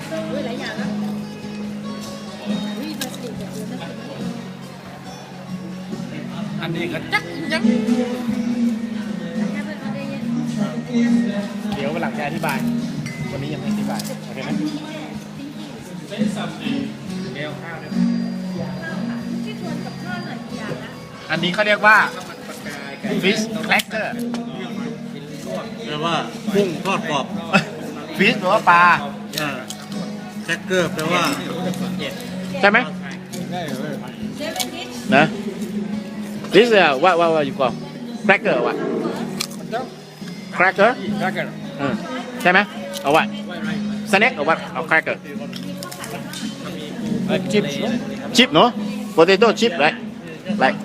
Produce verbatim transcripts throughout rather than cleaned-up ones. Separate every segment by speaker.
Speaker 1: ด้วยหลายอย่างแล้ววิมาสติแบบเดิมนะ
Speaker 2: อันนี้ก็จักยังเดี๋ยววันหลังจะอธิบายวันนี้ยังไม่อธิบายโอเคไหมแก้วข้าวเนี่ย
Speaker 1: ที่ชวนกับข้าวหน่อยอย่างละ
Speaker 2: อันนี้เขาเรียกว่า fish cracker
Speaker 3: แปลว่ากุ้งทอดกรอบ
Speaker 2: fish แปลว่าปลา
Speaker 3: แครกเกอร์แปลว่า
Speaker 2: ใช่ไหมนะ this is what what what you call cracker what cracker
Speaker 3: cracker
Speaker 2: ใช่ไหมเอา what snack เอา what เอา cracker
Speaker 3: chips
Speaker 2: chip เนาะ potato chip right like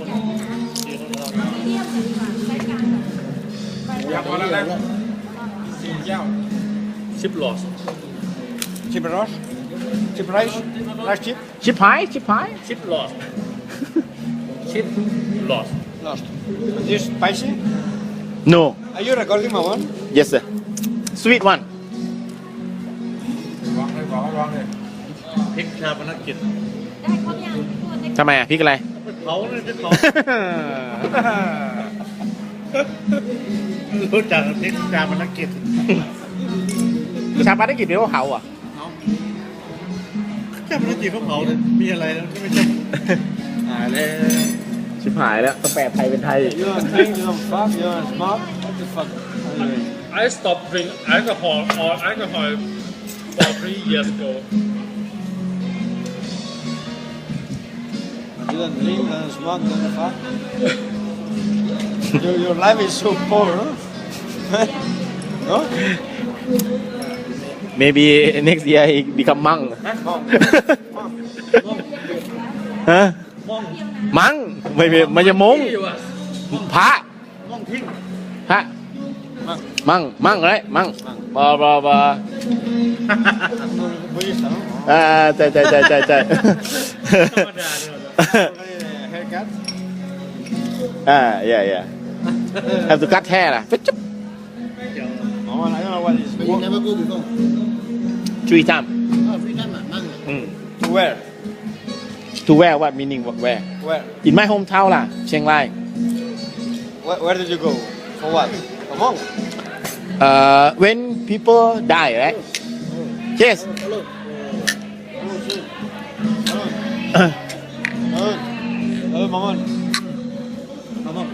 Speaker 3: อยากพอแล้วนะสี่เจ้าชิปลอสชิปรอสชิปไรซ์ไรซ์ชิป
Speaker 2: chip pie chip pie
Speaker 3: ชิปลอสชิปลอส
Speaker 4: Lost. This spicy?
Speaker 2: no
Speaker 4: Are you recording my one?
Speaker 2: yes sir sweet one
Speaker 3: วางเลยบอกวางเลยพริกชาปนกิจ
Speaker 1: ได้ครบยัง
Speaker 2: ทำไมอ่ะพริกอะไร
Speaker 3: เผาเลยจะเผารู้จักพริกชาปนกิจ
Speaker 2: ชาปนกิจเรียกว่าเผาอ่ะ
Speaker 3: ชาปนกิจเขาเผาเลยมีอะไรแล้วไม่ใช่หายแล้ว
Speaker 2: ชิบหายแล้วต้องแปลไทยเป็นไทย
Speaker 4: You don't drink, you don't fuck, you don't smoke? What the fuck?
Speaker 5: I stopped drinking alcohol or alcohol for three years ago.
Speaker 4: You don't drink, you don't smoke, you don't fuck? your, your life is so poor, huh? no?
Speaker 2: maybe next year he become monk ฮะมังไม่ไม่จะมงพระ
Speaker 3: ม่องทิ้ง
Speaker 2: พระมังมังอะไรมังบอบอบอ
Speaker 4: Budista, no?
Speaker 2: อ่าใช่ใช่ใช่ใช่ใช่
Speaker 3: ธรรมดาเนี่ย
Speaker 4: Already haircut?
Speaker 2: อ่า yeah yeah have to cut hair ล่ะ
Speaker 4: No, I don't know what is.
Speaker 6: But you never go before.
Speaker 2: three time
Speaker 6: Oh, free time ah, mang.
Speaker 2: อืม
Speaker 4: To where?
Speaker 2: to wear what meaning what wear
Speaker 4: Where?
Speaker 2: in my hometown ล่ะเชียงราย
Speaker 4: Where, where did you go? For what? For monk?
Speaker 2: uh when people die right yes
Speaker 6: Hello.
Speaker 4: Oh, shit. Hello. Hello. Hello, Maman.
Speaker 3: มาม่อง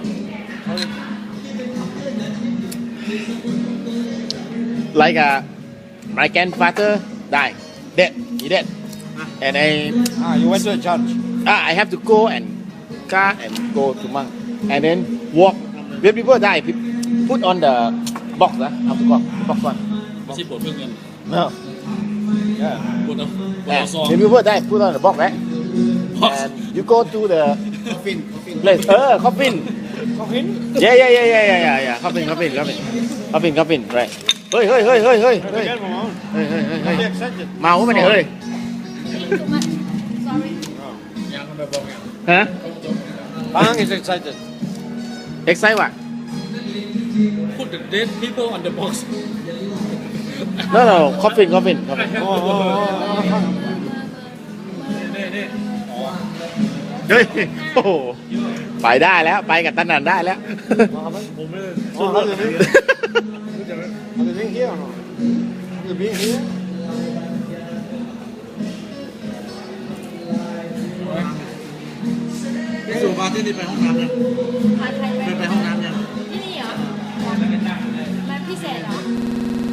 Speaker 2: like uh, my grandfather died dead he dead and I
Speaker 4: Ah, you went to a church.
Speaker 2: ah, I have to go and car and go to monk and then walk when people die pe- put on the box นะเอาตัวbox one
Speaker 5: ไม่ใช่บทเพื่อนเงิน
Speaker 2: no
Speaker 4: Yeah.
Speaker 5: บทเอาบท
Speaker 2: yeah.
Speaker 5: เอาซอง
Speaker 2: when people die put on the box right and you go to the
Speaker 6: Coffin, coffin.
Speaker 2: place เออ coffin
Speaker 4: Coffin?
Speaker 2: yeah yeah yeah yeah yeah yeah yeah coffin coffin coffin coffin coffin right เฮ้ยเฮ้ยเฮ้ยเฮ้ยเฮ้ยเฮ้ย
Speaker 4: Again, Maman.
Speaker 2: เฮ้ยเฮ้ยเฮ้ยเฮ้ย
Speaker 4: Be excited.
Speaker 2: เมาปะเนี่ยเฮ้ย
Speaker 1: too much sorry
Speaker 5: ยังทำไมบอกอย่าง
Speaker 2: ฮะ
Speaker 4: Bang is excited.
Speaker 2: excite ว่ะ
Speaker 5: put the dead people on the box
Speaker 2: no no coffin coffin coffin
Speaker 4: Oh, oh, oh, oh, oh.
Speaker 5: นี่นี่
Speaker 2: เฮ้ยโอ้โหไปได้แล้วไปกับตันนันได้แล้ว
Speaker 3: ผมไม่ได้
Speaker 4: Oh, have you been? Have you been here or no? Have you been here?
Speaker 3: พี่สุมาที่นี่ไปห้องน้ำยัง
Speaker 1: พาใครไป
Speaker 3: เคยไปห้องน้ำยัง